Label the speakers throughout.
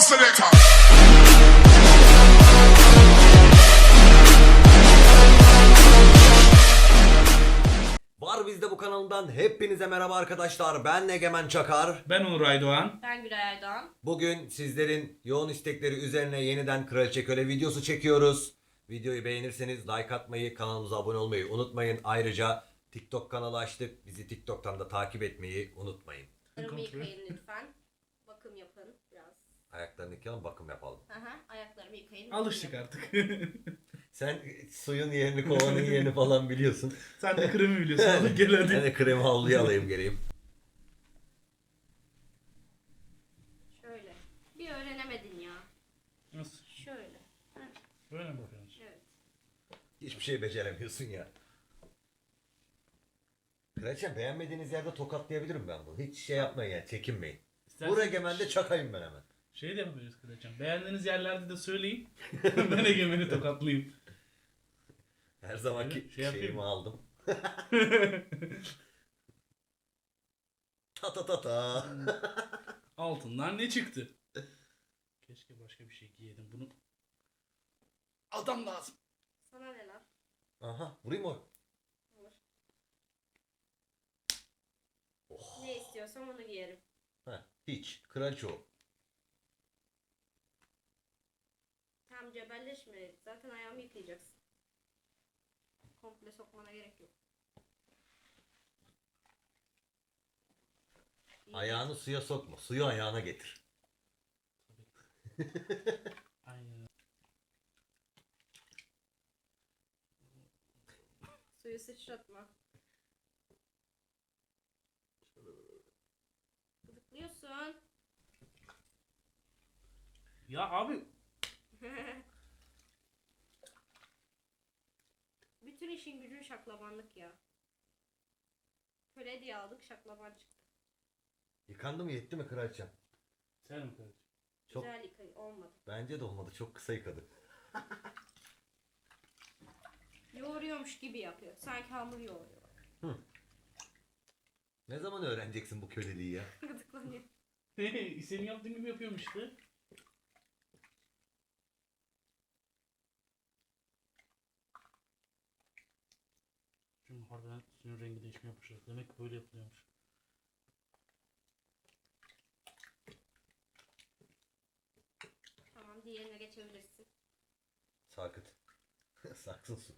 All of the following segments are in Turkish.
Speaker 1: selector.
Speaker 2: Var Bizde bu kanalından hepinize merhaba arkadaşlar. Ben Egemen Çakar.
Speaker 3: Ben Onur Aydoğan.
Speaker 4: Ben Gülay Erdoğan.
Speaker 2: Bugün sizlerin yoğun istekleri üzerine yeniden Kraliçe Köle videosu çekiyoruz. Videoyu beğenirseniz like atmayı, kanalımıza abone olmayı unutmayın. Ayrıca TikTok kanalı açtık. Bizi TikTok'tan da takip etmeyi unutmayın.
Speaker 4: Ayaklarımı yıkayın lütfen. Bakım yapın biraz.
Speaker 2: Ayaklarını yıkayalım, bakım yapalım.
Speaker 4: Aha, ayaklarımı yıkayın.
Speaker 3: Alıştık
Speaker 4: bakım
Speaker 3: artık.
Speaker 2: Sen suyun yerini, kovanın yerini falan biliyorsun.
Speaker 3: Sen de kremi biliyorsun. Hadi gel
Speaker 2: Ben
Speaker 3: hadi.
Speaker 2: de kremi havluya alayım geleyim.
Speaker 4: Şöyle. Bir öğrenemedin ya.
Speaker 3: Nasıl?
Speaker 4: Şöyle. Heh,
Speaker 3: Böyle mi bakıyorsun?
Speaker 4: evet.
Speaker 2: Hiçbir şey beceremiyorsun ya. Kraliçem, beğenmediğiniz yerde tokatlayabilirim ben bunu. Hiç şey yapmayın yani, çekinmeyin. Bu Egemen'de çakayım ben hemen.
Speaker 3: Şey de yapabiliriz Kıraçam. Beğendiğiniz yerlerde de söyleyin. Ben Egemen'i tokatlayayım.
Speaker 2: Her zamanki
Speaker 3: Şey yapayım
Speaker 2: şeyimi
Speaker 3: mı?
Speaker 2: aldım. Ta ta ta ta.
Speaker 3: Altından ne çıktı? Keşke başka bir şey giyeydim bunu. Adam lazım.
Speaker 4: Sana ne lan?
Speaker 2: Aha, vurayım mı?
Speaker 4: Olur.
Speaker 2: Oh.
Speaker 4: Ne istiyorsam onu giyerim.
Speaker 2: Heh, hiç. Kraliçe o.
Speaker 4: Tam cebelleşme. Zaten ayağımı yıkayacaksın. Komple sokmana gerek yok. İyi.
Speaker 2: Ayağını suya sokma. Suyu ayağına getir.
Speaker 3: Aynen.
Speaker 4: Suyu sıçratma. Gıdıklıyorsun.
Speaker 3: Ya abi
Speaker 4: Bütün işin gücün şaklabanlık ya. Köle diye aldık, şaklaban çıktı.
Speaker 2: Yıkandı mı, yetti mi kraliçem?
Speaker 3: sen mi Kıraçam?
Speaker 2: Çok,
Speaker 4: Güzel yıkayın. Olmadı.
Speaker 2: bence de olmadı. Çok kısa yıkadı.
Speaker 4: Yoğuruyormuş gibi yapıyor. Sanki hamur yoğuruyor. Bak.
Speaker 2: Ne zaman öğreneceksin bu köleliği ya?
Speaker 4: Gıdıklanıyor.
Speaker 3: Senin yaptığın gibi yapıyorum işte. Şimdi harbiden suyun rengi değişmeye başladı. Demek ki böyle yapılıyormuş.
Speaker 4: Tamam, diğerine geçebilirsin.
Speaker 2: Sarkıt. Saksın su.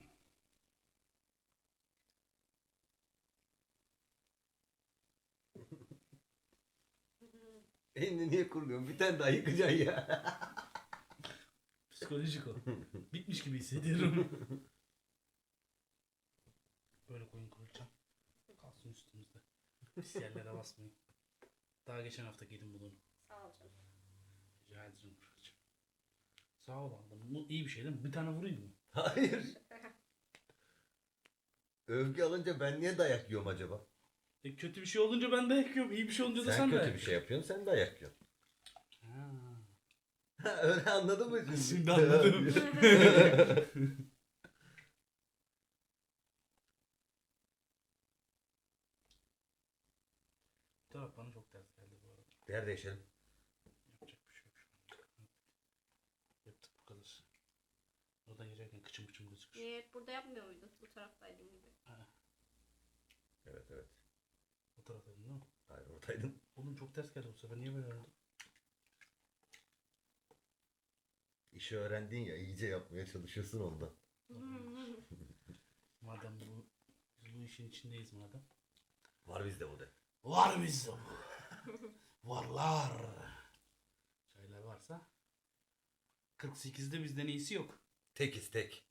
Speaker 2: Elini niye kuruluyorsun? Bir tane daha yıkacaksın ya.
Speaker 3: Psikolojik o. Bitmiş gibi hissediyorum. Böyle koyun kılıçam. Kalsın üstümüzde. Pis yerlere basmayın. Daha geçen hafta giydim bunu.
Speaker 4: Sağ ol canım.
Speaker 3: Rica ederim kılıçam. Sağ ol aldım. Bu iyi bir şey değil mi? Bir tane vurayım mı?
Speaker 2: Hayır. Övgü alınca ben niye dayak yiyorum acaba?
Speaker 3: Kötü bir şey olunca ben dayak yiyorum. İyi bir şey olunca da
Speaker 2: Sen
Speaker 3: sen
Speaker 2: kötü
Speaker 3: dayak
Speaker 2: bir şey yapıyorsun, sen dayak yiyorsun.
Speaker 3: Ha.
Speaker 2: Öyle anladın mı?
Speaker 3: Şimdi anladım. Bu taraf bana çok ters geldi bu arada.
Speaker 2: Yer değişelim.
Speaker 3: Yapacak bir şey yok şu an. Yaptık bu kadar. Oradan girerken kıçım gözüküyor.
Speaker 4: Niye hep burada yapmıyor muydun? Bu taraftaydın gibi.
Speaker 3: Ha,
Speaker 2: Evet evet.
Speaker 3: o taraftaydın değil mi?
Speaker 2: Hayır, oradaydın.
Speaker 3: Oğlum çok ters geldi bu sefer. Niye böyle oldu?
Speaker 2: İşi öğrendin ya, iyice yapmaya çalışıyorsun ondan.
Speaker 3: Madem biz bu işin içindeyiz madem.
Speaker 2: Var bizde bu de.
Speaker 3: Var bizde bu. Varlar. Çaylar varsa 48'de bizden iyisi yok.
Speaker 2: Tekiz tek.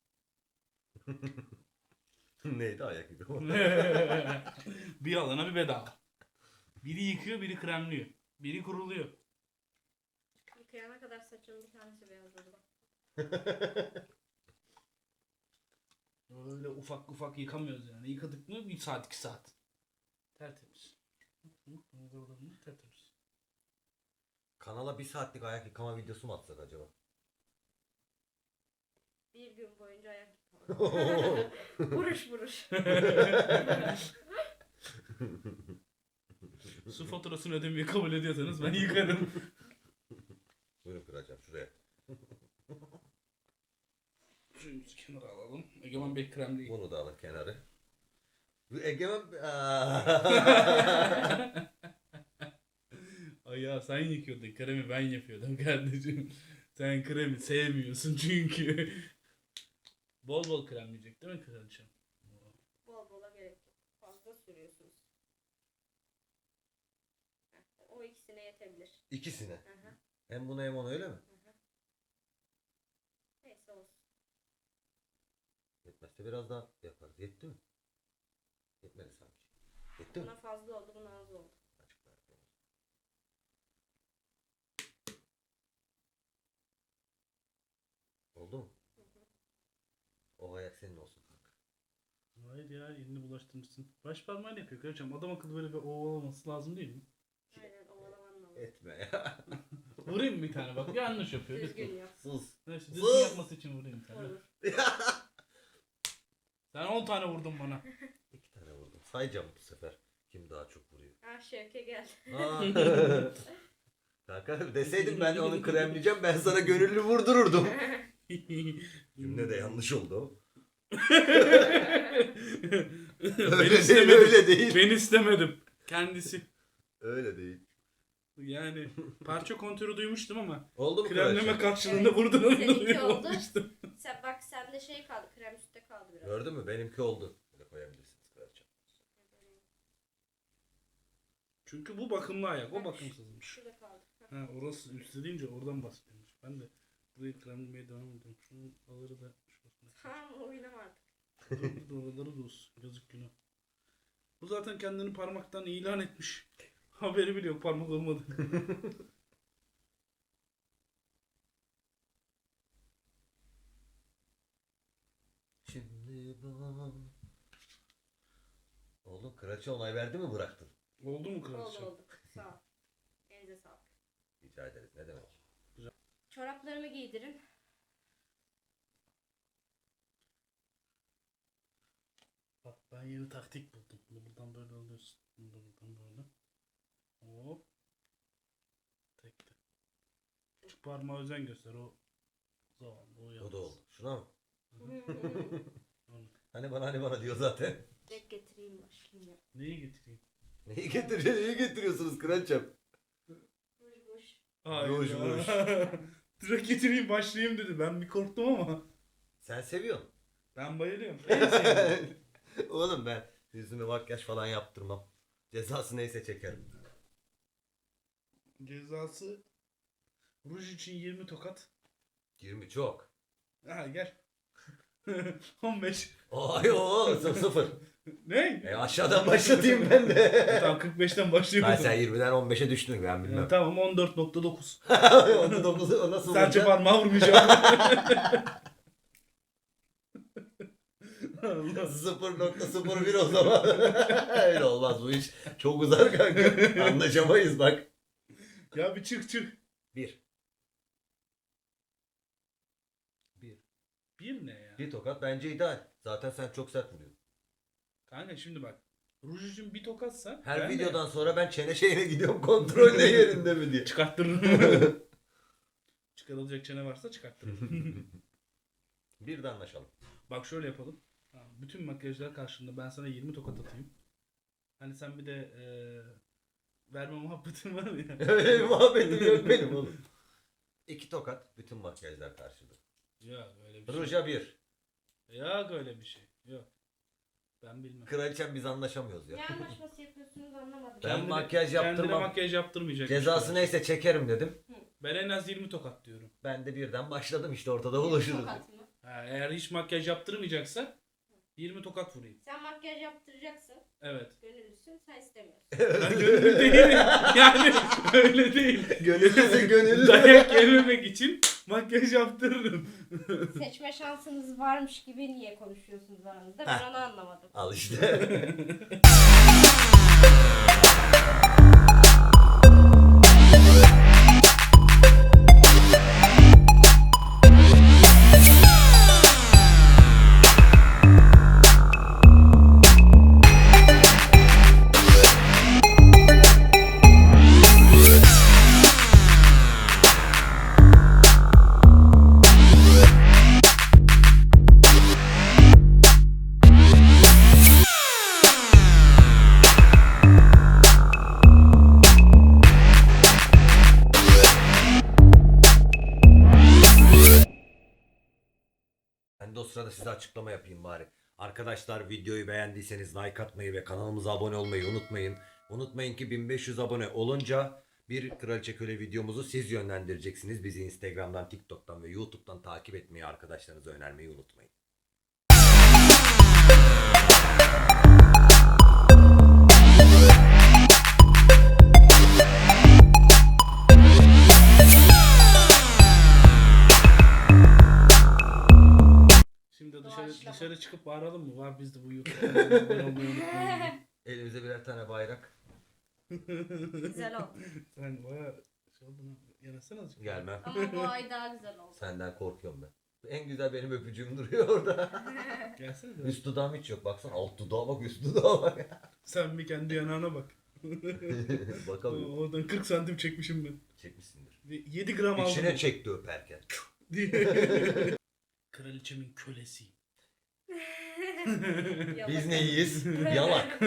Speaker 2: Neydi ayak yıkama?
Speaker 3: Bir alana bir bedava. Biri yıkıyor, biri kremliyor. Biri kuruluyor.
Speaker 4: Yıkayana kadar saçının bir tanesi beyazladı bak.
Speaker 3: Öyle ufak ufak yıkamıyoruz yani. Yıkadık mı 1 saat 2 saat. Tertemiz. Tertemiz.
Speaker 2: Kanala 1 saatlik ayak yıkama videosu mu atsak acaba?
Speaker 4: Bir gün boyunca ayak yıkama. Vuruş vuruş.
Speaker 3: Su faturasını ödemeyi kabul ediyorsanız ben yıkarım.
Speaker 2: Buyurun kraliçem şuraya.
Speaker 3: Suyumuzu kenara alalım. Egemen Bey kremleyin.
Speaker 2: Bunu da alın kenarı. Bu Egemen...
Speaker 3: Ay ya sen yıkıyordun. Kremi ben yapıyordum kardeşim. Sen kremi sevmiyorsun çünkü. Bol bol kremleyecek değil mi kraliçem?
Speaker 4: Bol bola gerek yok. Fazla sürüyorsunuz. Heh, o ikisine yetebilir.
Speaker 2: İkisine.
Speaker 4: Hı hı.
Speaker 2: Hem bunu hem onu öyle mi?
Speaker 4: Neyse olsun.
Speaker 2: Yetmezse biraz daha yaparız. Yetti mi? Yetmedi sanki. Yetti mi?
Speaker 4: Buna fazla oldu, buna az oldu.
Speaker 2: Açıklar yapalım. Oldu mu? O ayak senin olsun kanka.
Speaker 3: Hayır ya elini bulaştırmışsın. Baş parmağıyla yapıyor kraliçem. Adam akıllı böyle bir ovalaması lazım değil mi?
Speaker 4: Aynen ovalaman lazım.
Speaker 2: Etme ya.
Speaker 3: Vurayım bir tane bak yanlış yapıyor.
Speaker 4: Düzgün yap.
Speaker 2: Sus.
Speaker 3: Neyse düzgün
Speaker 2: Sus!
Speaker 3: yapması için vurayım bir tane.
Speaker 4: Olur.
Speaker 3: Sen 10 tane vurdun bana.
Speaker 2: 2 tane vurdum. Sayacağım bu sefer. Kim daha çok vuruyor.
Speaker 4: Ah Şevke geldi.
Speaker 2: Aa. Kanka deseydim ben onu kremleyeceğim ben sana gönüllü vurdururdum. Cümle de yanlış oldu. Öyle değil,
Speaker 3: istemedim.
Speaker 2: öyle değil.
Speaker 3: Ben istemedim. Kendisi.
Speaker 2: Öyle değil.
Speaker 3: Yani parça kontörü duymuştum ama
Speaker 2: Oldu mu
Speaker 3: kremleme
Speaker 2: kraliçem?
Speaker 3: karşılığında
Speaker 4: Evet.
Speaker 3: vurdun
Speaker 4: Seninki oldu.
Speaker 3: olmuştu.
Speaker 4: Sen bak sende şey kaldı, krem üstte kaldı biraz.
Speaker 2: Gördün mü? Benimki oldu. Böyle koyabilirsiniz kraliçem.
Speaker 3: Çünkü bu bakımlı ayak, o
Speaker 4: Bak,
Speaker 3: bakımsızmış.
Speaker 4: Şurada kaldı. Heh.
Speaker 3: Ha orası üstte deyince oradan bahsediyormuş. Ben de burayı kremlemeye devam ediyorum. Şunu alırı da şurasına.
Speaker 4: Tamam oynama artık.
Speaker 3: Oraları da olsun. Yazık günah. Bu zaten kendini parmaktan ilan etmiş. Haberi bile yok parmak olmadı.
Speaker 2: Şimdi bana... Oğlum kraliçe onay verdi mi bıraktın?
Speaker 3: Oldu mu
Speaker 4: Oldu
Speaker 3: kraliçem?
Speaker 4: oldu. Sağ ol. Elinize sağlık.
Speaker 2: Rica ederiz. Ne demek?
Speaker 4: Çoraplarımı giydirin.
Speaker 3: Bak ben yeni taktik buldum. Bunu buradan böyle alıyorsun. Bunu da buradan böyle. Hop. Tekte. Küçük parmağa özen göster o zavallı o
Speaker 2: O
Speaker 3: yalnız.
Speaker 2: da oldu. Şuna mı?
Speaker 3: Onu.
Speaker 2: Hani bana diyor zaten.
Speaker 4: Direkt getireyim başlayayım ya.
Speaker 3: Neyi getireyim?
Speaker 2: Neyi getiriyorsunuz kraliçem?
Speaker 4: Ruj ruj.
Speaker 2: Ruj, ruj.
Speaker 3: Direkt getireyim başlayayım dedi. Ben bir korktum ama.
Speaker 2: Sen seviyorsun.
Speaker 3: Ben bayılıyorum. En sevdiğim.
Speaker 2: Oğlum ben yüzüme makyaj falan yaptırmam. Cezası neyse çekerim.
Speaker 3: Cezası ruj için 20 tokat.
Speaker 2: 20 çok.
Speaker 3: Ha gel. 15.
Speaker 2: Ay o sıfır.
Speaker 3: Ne?
Speaker 2: Aşağıdan başlatayım ben de.
Speaker 3: Tamam 45'ten
Speaker 2: Ben
Speaker 3: başlıyorum.
Speaker 2: sen 20'den 15'e düştün ben bilmem.
Speaker 3: Tamam 14.9.
Speaker 2: Onu 9'u o nasıl
Speaker 3: Sadece
Speaker 2: olacak?
Speaker 3: parmağı vurmayacağım. Allah.
Speaker 2: 0.01 o zaman. Öyle olmaz bu iş. Çok uzar kanka. Anlaşamayız bak.
Speaker 3: Ya bir çık.
Speaker 2: 1.
Speaker 3: Bir ne ya?
Speaker 2: Bir tokat bence ideal. Zaten sen çok sert vuruyorsun.
Speaker 3: Kanka şimdi bak. Ruj için bir tokatsa
Speaker 2: Her
Speaker 3: ben de
Speaker 2: videodan sonra ben çene şeyine gidiyorum kontrol ne yerinde mi diye.
Speaker 3: çıkarttırırım. Çıkarılacak çene varsa çıkarttırırım.
Speaker 2: Bir de anlaşalım.
Speaker 3: Bak şöyle yapalım. Ha, bütün makyajlar karşında ben sana 20 tokat atayım. Hani sen bir de verme muhabbetin var ya.
Speaker 2: Öyle bir muhabbetim yok benim oğlum. 2 tokat bütün makyajlar karşıda.
Speaker 3: Ya öyle bir şey.
Speaker 2: Ruja 1.
Speaker 3: Ya öyle bir şey. Yok. Ben bilmem.
Speaker 2: Kraliçem biz anlaşamıyoruz ya.
Speaker 4: Ne anlaşması yapıyorsunuz anlamadım.
Speaker 2: Ben makyaj
Speaker 3: Kendine
Speaker 2: yaptırmam.
Speaker 3: makyaj yaptırmayacak.
Speaker 2: Cezası neyse çekerim dedim.
Speaker 3: Ben en az 20 tokat diyorum.
Speaker 2: Ben de birden başladım işte ortada buluşuruz.
Speaker 4: Tokat mı?
Speaker 3: Ha, eğer hiç makyaj yaptırmayacaksa 20 tokat vurayım.
Speaker 4: Sen makyaj yaptıracaksın.
Speaker 3: Evet.
Speaker 4: Gönüllüsün, sen istemiyorsun.
Speaker 3: Ben gönüllü değilim. Yani öyle değil.
Speaker 2: Gönüllüsün gönüllü.
Speaker 3: Dayak yememek için makyaj yaptırırım.
Speaker 4: Seçme şansınız varmış gibi niye konuşuyorsunuz aranızda? Ben onu anlamadım.
Speaker 2: Al işte. sırada size açıklama yapayım bari. Arkadaşlar videoyu beğendiyseniz like atmayı ve kanalımıza abone olmayı unutmayın. Unutmayın ki 1500 abone olunca bir Kraliçe Köle videomuzu siz yönlendireceksiniz. Bizi Instagram'dan, TikTok'tan ve YouTube'dan takip etmeyi, arkadaşlarınıza önermeyi unutmayın.
Speaker 3: Şimdi
Speaker 4: Doğaçlama.
Speaker 3: dışarı çıkıp bağıralım mı? Var bizde bu YouTube kanalına abone olmayı unutmayın.
Speaker 2: Elimize birer tane bayrak.
Speaker 4: Güzel oldu.
Speaker 3: Sen bayağı şey oldun ha. Yanasana azıcık.
Speaker 2: Gelmem.
Speaker 4: Ama bu ay daha güzel oldu.
Speaker 2: Senden korkuyorum ben. En güzel benim öpücüğüm duruyor orada.
Speaker 3: Gelsene de.
Speaker 2: Üst dudağım hiç yok. Baksana alt dudağa bak, üst dudağa bak.
Speaker 3: Sen bir kendi yanağına bak.
Speaker 2: Bakalım.
Speaker 3: Oradan 40 santim çekmişim ben.
Speaker 2: Çekmişsindir.
Speaker 3: 7 gram aldım.
Speaker 2: İçine çekti öperken.
Speaker 3: Kraliçemin kölesiyim.
Speaker 2: Biz neyiz? Yalak.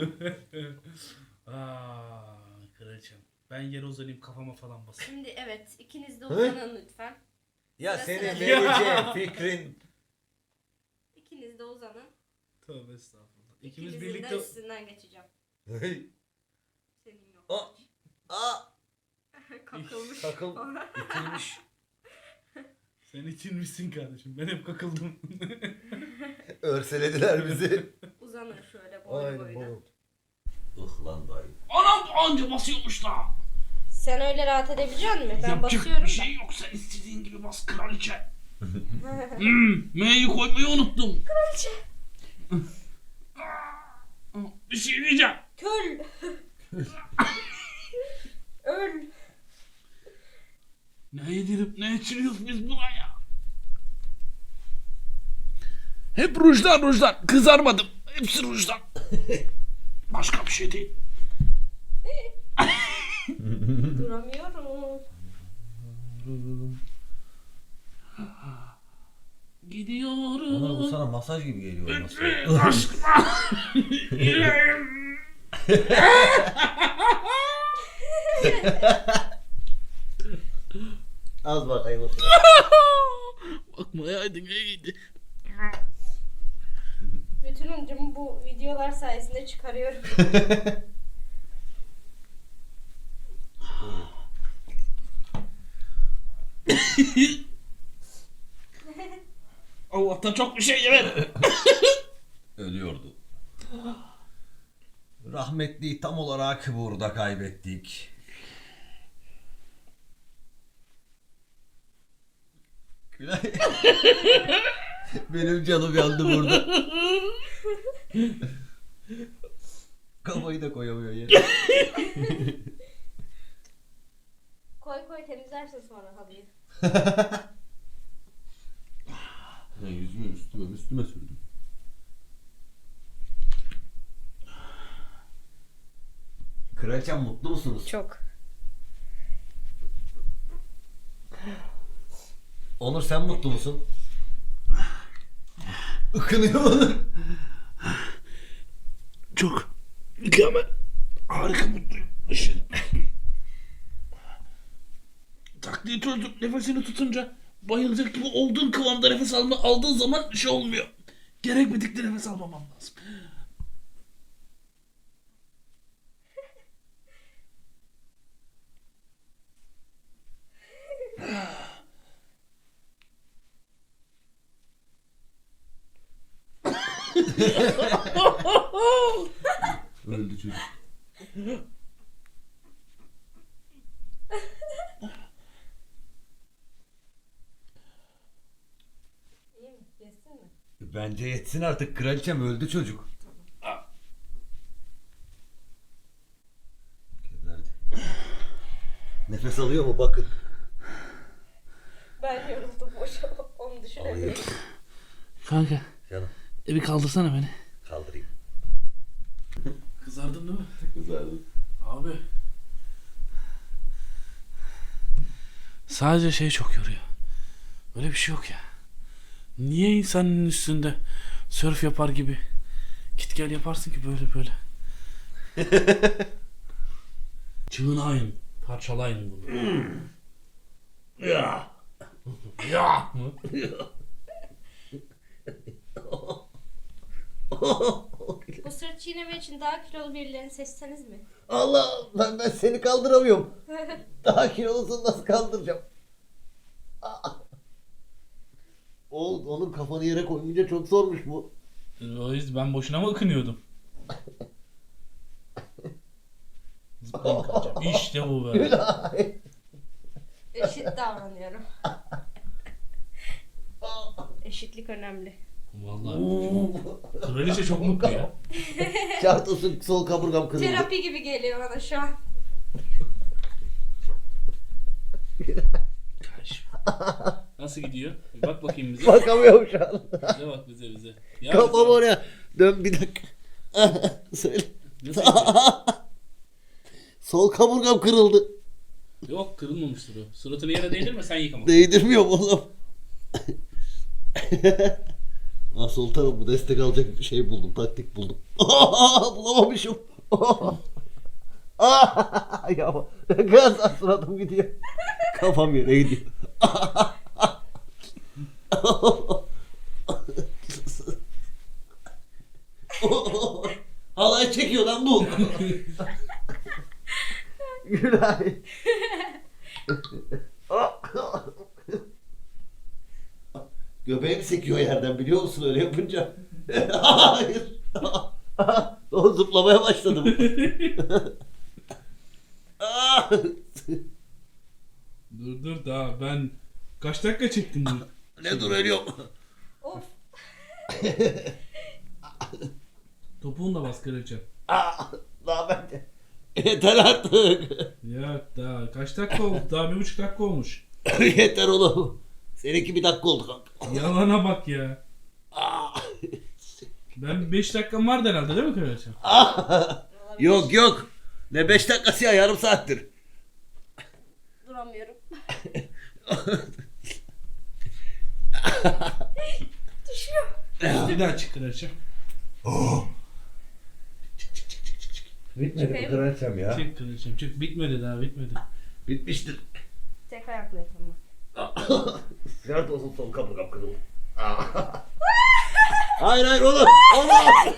Speaker 3: Kraliçem. Ben yere uzanayım kafama falan basayım.
Speaker 4: Şimdi evet ikiniz de uzanın lütfen.
Speaker 2: Ya
Speaker 4: Sıra
Speaker 2: senin
Speaker 4: sıra.
Speaker 2: vereceğin fikrin.
Speaker 4: İkiniz de uzanın.
Speaker 3: Tövbe estağfurullah. İkimiz
Speaker 4: İkinizin
Speaker 3: birlikte...
Speaker 4: de üstünden geçeceğim. Senin yok.
Speaker 2: Aa,
Speaker 4: Kakılmış.
Speaker 2: takıl itilmiş.
Speaker 3: Sen itilmişsin kardeşim. Ben hep kakıldım.
Speaker 2: Örselediler bizi.
Speaker 4: Uzanın şöyle boylu boyuna.
Speaker 2: Lan dayı.
Speaker 3: Anam anca basıyormuş da.
Speaker 4: Sen öyle rahat edebilecek misin? Ben
Speaker 3: Yapacak
Speaker 4: basıyorum
Speaker 3: bir şey yok. Sen istediğin gibi bas kraliçe. M'yi koymayı unuttum.
Speaker 4: Kraliçe.
Speaker 3: Bir şey diyeceğim.
Speaker 4: Köl. Öl.
Speaker 3: Ne yedirip ne içiriyoruz biz buna ya? Hep rujdan. Kızarmadım. Hepsi rujdan. Başka bir şey değil.
Speaker 4: Duramıyorum.
Speaker 3: Gidiyorum.
Speaker 2: Onlar bu sana masaj gibi geliyor olması.
Speaker 3: Aşkına. Yüreğim.
Speaker 2: Az bakayım.
Speaker 3: Bakmayaydın iyiydi.
Speaker 4: Bütün öncümü bu videolar sayesinde çıkarıyorum.
Speaker 3: Allah'tan çok bir şey yemedim.
Speaker 2: Ölüyordu. Rahmetliyi tam olarak burada kaybettik. Gülay. Benim canım yandı burada. Kafayı da koyamıyor yere.
Speaker 4: Koy temizlersin sonra halıyı.
Speaker 2: Yüzümü üstüme sürdüm. Kraliçem mutlu musunuz?
Speaker 4: Çok.
Speaker 2: Onur sen mutlu musun? Ikınıyor Onur.
Speaker 3: Çok mükemmel. Harika mutluyum. Işın. Taktiği çözdüm. Nefesini tutunca bayılacak gibi olduğun kıvamda nefes aldığın zaman şey olmuyor. Gerekmedikçe nefes almamam lazım.
Speaker 2: Öldü çocuk.
Speaker 4: İyi mi? Geçsin mi?
Speaker 2: Bence yetsin artık, kraliçem öldü çocuk. Geberdi. Nefes alıyor mu bakın.
Speaker 4: Ben yoruldum boşa. Onu düşünemiyorum.
Speaker 3: Kanka
Speaker 2: Canım
Speaker 3: bir kaldırsana beni.
Speaker 2: kaldırayım.
Speaker 3: Kızardın değil mi?
Speaker 2: Kızardım.
Speaker 3: Abi. Sadece şey çok yoruyor. Öyle bir şey yok ya. Niye insanın üstünde sörf yapar gibi git gel yaparsın ki böyle. Çığınayın. Parçalayın bunu. Ya. Ya.
Speaker 4: Bu sırt çiğneme için daha kilolu birilerini seçseniz mi?
Speaker 2: Allah, ben seni kaldıramıyorum. Daha kilolusunu nasıl kaldıracağım? Onun kafanı yere koyunca çok zormuş bu.
Speaker 3: O yüzden ben boşuna mı ıkınıyordum? Zıplayın kaçacağım. İşte bu be.
Speaker 2: Gülay.
Speaker 4: Eşit davranıyorum. Eşitlik önemli.
Speaker 3: Vallahi kraliçe çok mutlu ya.
Speaker 2: Şart olsun sol kaburgam kırıldı.
Speaker 4: Terapi gibi geliyor bana şu an.
Speaker 3: Kardeşim. Nasıl gidiyor? Bir bak bakayım bize.
Speaker 2: Bakamıyorum şu an.
Speaker 3: Bize bak bize. Ya
Speaker 2: Kafam
Speaker 3: bize-
Speaker 2: oraya. Dön bir dakika. Söyle.
Speaker 3: Nasıl gidiyor?
Speaker 2: Sol kaburgam kırıldı.
Speaker 3: Yok kırılmamıştır o. Suratını yere değdirme sen yıkama.
Speaker 2: Değdirmiyorum oğlum. Sol tarafı destek alacak bir şey buldum. Taktik buldum. Bulamamışım. Ya gaz suratım gidiyor. Kafam yere gidiyor. Halay çekiyor lan bu. Gülay. Göbeğim sekiyor yerden biliyor musun öyle yapınca? Hayır. O zıplamaya başladım.
Speaker 3: Dur daha ben kaç dakika çektim bunu?
Speaker 2: Ne dur ölüyorum.
Speaker 4: Of.
Speaker 3: Topuğunu da bas kraliçe.
Speaker 2: Daha ben de. Yeter artık.
Speaker 3: Ya daha kaç dakika oldu? Daha 1,5 dakika olmuş.
Speaker 2: Yeter oğlum. Seninki bir dakika oldu kanka.
Speaker 3: Yalana bak ya. Ben 5 dakikam vardı herhalde değil mi kraliçe?
Speaker 2: Yok. Ne 5 dakikası ya yarım saattir.
Speaker 4: Duramıyorum.
Speaker 3: Bir daha çık kraliçe.
Speaker 2: Bitmedi
Speaker 4: Çıkayım.
Speaker 2: bu kraliçem ya.
Speaker 3: Çık kraliçem çık. Bitmedi daha bitmedi.
Speaker 2: Bitmiştir.
Speaker 4: Tek ayakla yapamam.
Speaker 2: Nerede olsun sol kaburgam kırıldı. Hayır oğlum. Allah.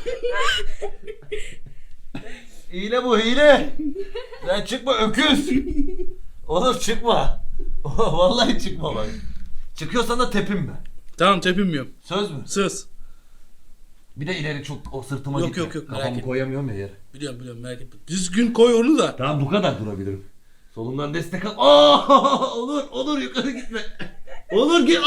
Speaker 2: Hile bu hile. Sen çıkma öküz. Oğlum çıkma. Vallahi çıkma bak. Çıkıyorsan da tepinme.
Speaker 3: Tamam tepinmiyorum.
Speaker 2: Söz mü?
Speaker 3: Söz.
Speaker 2: Bir de ileri çok o sırtıma
Speaker 3: Yok,
Speaker 2: gitme.
Speaker 3: yok, merak
Speaker 2: Kafamı
Speaker 3: etme.
Speaker 2: koyamıyorum ya yere.
Speaker 3: Biliyorum merak etme. Düzgün koy onu da.
Speaker 2: Tamam bu kadar durabilirim. Solumdan destek al. Olur yukarı gitme. Olur ki.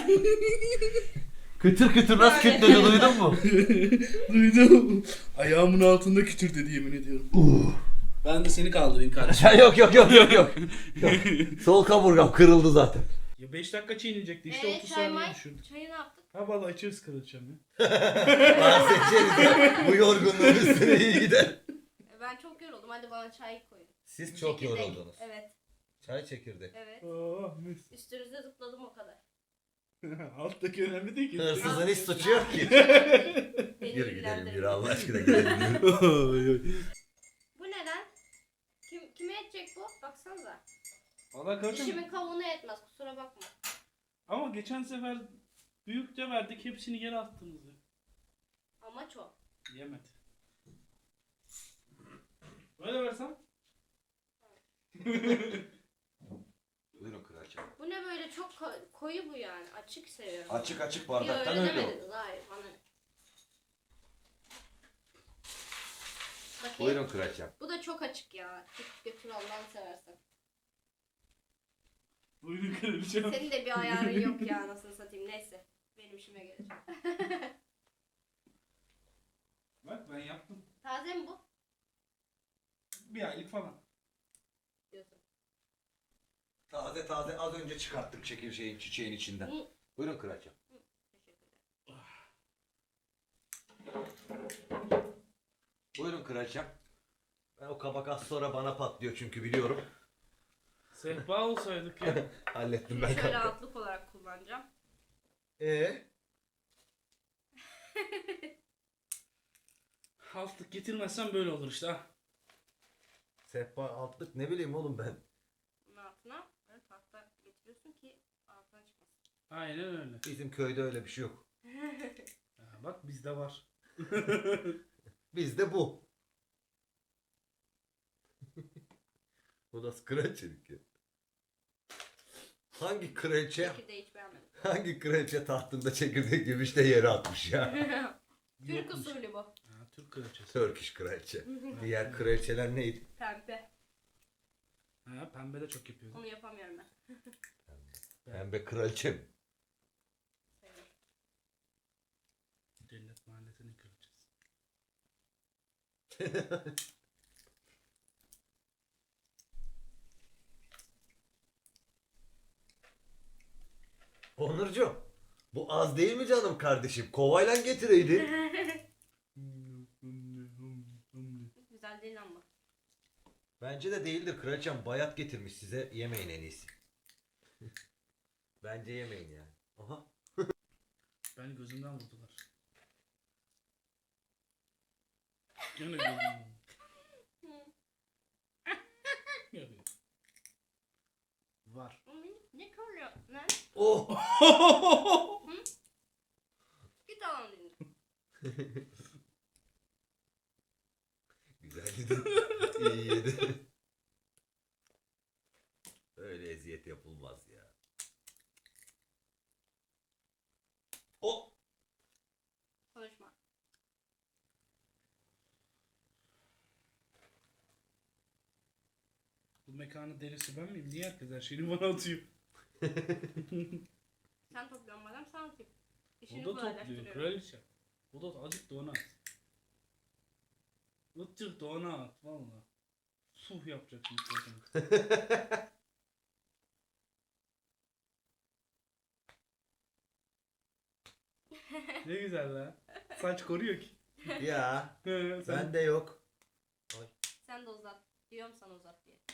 Speaker 2: Kıtır kıtır nasıl kütledi duydun mu?
Speaker 3: Duydum. Ayağımın altında kütür dedi yemin ediyorum. Ben de seni kaldırayım kardeşim.
Speaker 2: Ya yok. Sol kaburgam kırıldı zaten.
Speaker 3: Ya 5 dakika çiğneyecekti işte 30 saniye düşürdü.
Speaker 4: Çayı ne yaptık?
Speaker 3: Ha vallahi içeriz kraliçem ya.
Speaker 2: Bahsedeceğiz. Bu yorgunluğun üstüne iyi gider.
Speaker 4: Ben çok yoruldum. Hadi bana çay koyun.
Speaker 2: Siz
Speaker 4: Çekirdek. Evet.
Speaker 2: Çay çekirdek.
Speaker 4: Evet.
Speaker 3: Oh mis.
Speaker 4: Üstünüzde zıpladım o kadar.
Speaker 3: Alttaki önemli değil ki.
Speaker 2: Hırsızın hiç suçu yok ki.
Speaker 4: Beni
Speaker 2: Yürü gidelim
Speaker 4: ilgilendirmiyor.
Speaker 2: yürü Allah aşkına gidelim.
Speaker 4: Bu neden? Kime edecek bu? Baksanıza.
Speaker 3: Valla kardeşim.
Speaker 4: Dişimin kavuğuna etmez. Kusura bakma.
Speaker 3: Ama geçen sefer büyükçe verdik hepsini geri attınız ya.
Speaker 4: Amaç o.
Speaker 3: Yemedi. Böyle versem.
Speaker 2: Buyurun kraliçem.
Speaker 4: Bu ne böyle çok koyu bu yani. Açık seviyorum.
Speaker 2: Açık açık
Speaker 4: Yok
Speaker 2: bardaktan
Speaker 4: öyle
Speaker 2: öyle o.
Speaker 4: demediniz. Hayır bana ne. Bakayım.
Speaker 2: Buyurun kraliçem.
Speaker 4: Bu da çok açık ya. Git götür Allah'ını seversen.
Speaker 3: Buyurun kraliçem.
Speaker 4: Senin de bir ayarın yok ya nasıl satayım. Neyse. Benim işime gelecek.
Speaker 3: Bak ben yaptım.
Speaker 4: Taze mi bu?
Speaker 3: Bir aylık falan.
Speaker 4: Diyorsun.
Speaker 2: Taze az önce çıkarttık çiçeğin içinden.
Speaker 4: Hı.
Speaker 2: Buyurun kraliçem.
Speaker 4: Teşekkürler.
Speaker 2: Buyurun kraliçem. Ben o kabak az sonra bana patlıyor çünkü biliyorum.
Speaker 3: Sehpa olsaydık ya.
Speaker 2: Hallettim ben
Speaker 4: Şöyle
Speaker 2: kanka.
Speaker 4: altlık olarak kullanacağım.
Speaker 3: Altlık getirmezsen böyle olur işte ha.
Speaker 2: Sehpa altlık ne bileyim oğlum ben.
Speaker 4: Bunun altına böyle tahta getiriyorsun ki altına çıkmasın.
Speaker 3: Aynen öyle.
Speaker 2: Bizim köyde öyle bir şey yok.
Speaker 3: Ha, bak bizde var.
Speaker 2: Bizde bu. Bu nasıl kraliçelik ya? Hangi kraliçe
Speaker 4: Çekirdeği hiç beğenmedim.
Speaker 2: hangi kraliçe tahtında çekirdek gümüşte yere atmış ya?
Speaker 4: Türk
Speaker 3: Yokmuş.
Speaker 4: usulü bu.
Speaker 3: Ha, Türk kraliçesi.
Speaker 2: Turkish kraliçe. Diğer kraliçeler neydi?
Speaker 4: Pembe.
Speaker 3: Ha, pembe de çok yapıyor.
Speaker 4: Onu yapamıyorum ben.
Speaker 2: Pembe kraliçe mi?
Speaker 4: Sayılır.
Speaker 3: Cennet mahallesinin kraliçesi.
Speaker 2: Onurcuğum, bu az değil mi canım kardeşim? Kovayla getireydin.
Speaker 4: Güzel değil ama.
Speaker 2: Bence de değildir kraliçem. Bayat getirmiş size. Yemeyin en iyisi. Bence yemeyin yani. Aha.
Speaker 3: Ben gözümden vurdular. Gene gözümden. Yapıyor. Var.
Speaker 4: Ne körlüyor lan?
Speaker 2: Oh!
Speaker 4: Git alalım dedim.
Speaker 2: Güzel yedin. İyi yedin. Öyle eziyet yapılmaz ya. Oh!
Speaker 4: Konuşma.
Speaker 3: Bu mekanın delisi ben miyim? Niye herkes her şeyini bana atıyor?
Speaker 4: Sen topluyorsun madem sana atayım. İşini
Speaker 3: O da topluyor.
Speaker 4: kolaylaştırıyorum.
Speaker 3: Kraliçe. O da azıcık da ona at. Azıcık da ona at. Valla. Suh yapacaksın. Ne güzel la. Saç koruyor ki.
Speaker 2: Ya
Speaker 3: Sen...
Speaker 2: bende yok.
Speaker 4: Sen de uzat. Diyorum sana uzat diye.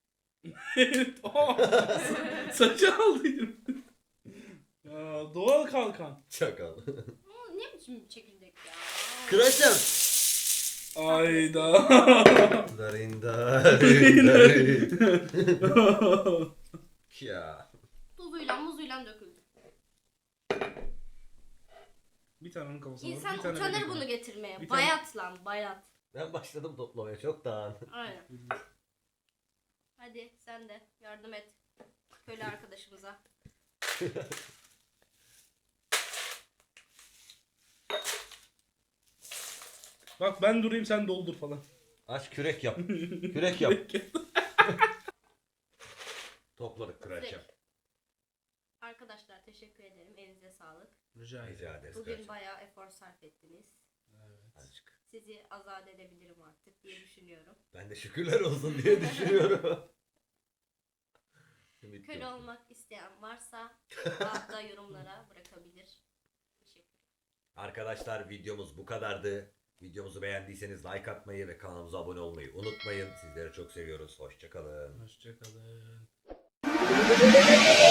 Speaker 3: Saçı aldıydım. Ya, doğal kalkan.
Speaker 2: Çakal.
Speaker 4: Ne biçim bir çekirdek ya?
Speaker 2: Kraliçem.
Speaker 3: Ayda.
Speaker 2: Darin darin darin. Ya.
Speaker 4: Tuzuyla muzuyla döküldü.
Speaker 3: Bir tane onun kafasına vur,
Speaker 4: İnsan
Speaker 3: bir tane
Speaker 4: utanır
Speaker 3: benim
Speaker 4: bunu
Speaker 3: kafama.
Speaker 4: getirmeye.
Speaker 3: Bir tane-
Speaker 4: Bayat lan bayat.
Speaker 2: Ben başladım toplamaya çoktan.
Speaker 4: Aynen. Hadi sen de yardım et. Köle arkadaşımıza.
Speaker 3: Bak ben durayım sen doldur falan.
Speaker 2: Aç kürek yap. Kürek yap. Topladık kraliçem.
Speaker 4: Direkt. Arkadaşlar teşekkür ederim. Elinize sağlık.
Speaker 3: Rica ederim.
Speaker 2: Rica ederiz
Speaker 4: Bugün
Speaker 2: kraliçem.
Speaker 4: bayağı efor sarf ettiniz.
Speaker 3: Evet.
Speaker 2: Azıcık.
Speaker 4: Sizi azat edebilirim artık diye düşünüyorum.
Speaker 2: Ben de şükürler olsun diye düşünüyorum. Ümit
Speaker 4: Köle
Speaker 2: yok.
Speaker 4: olmak isteyen varsa altta yorumlara bırakabilir. Teşekkür.
Speaker 2: Arkadaşlar videomuz bu kadardı. Videomuzu beğendiyseniz like atmayı ve kanalımıza abone olmayı unutmayın. Sizleri çok seviyoruz. Hoşçakalın.
Speaker 3: Hoşçakalın.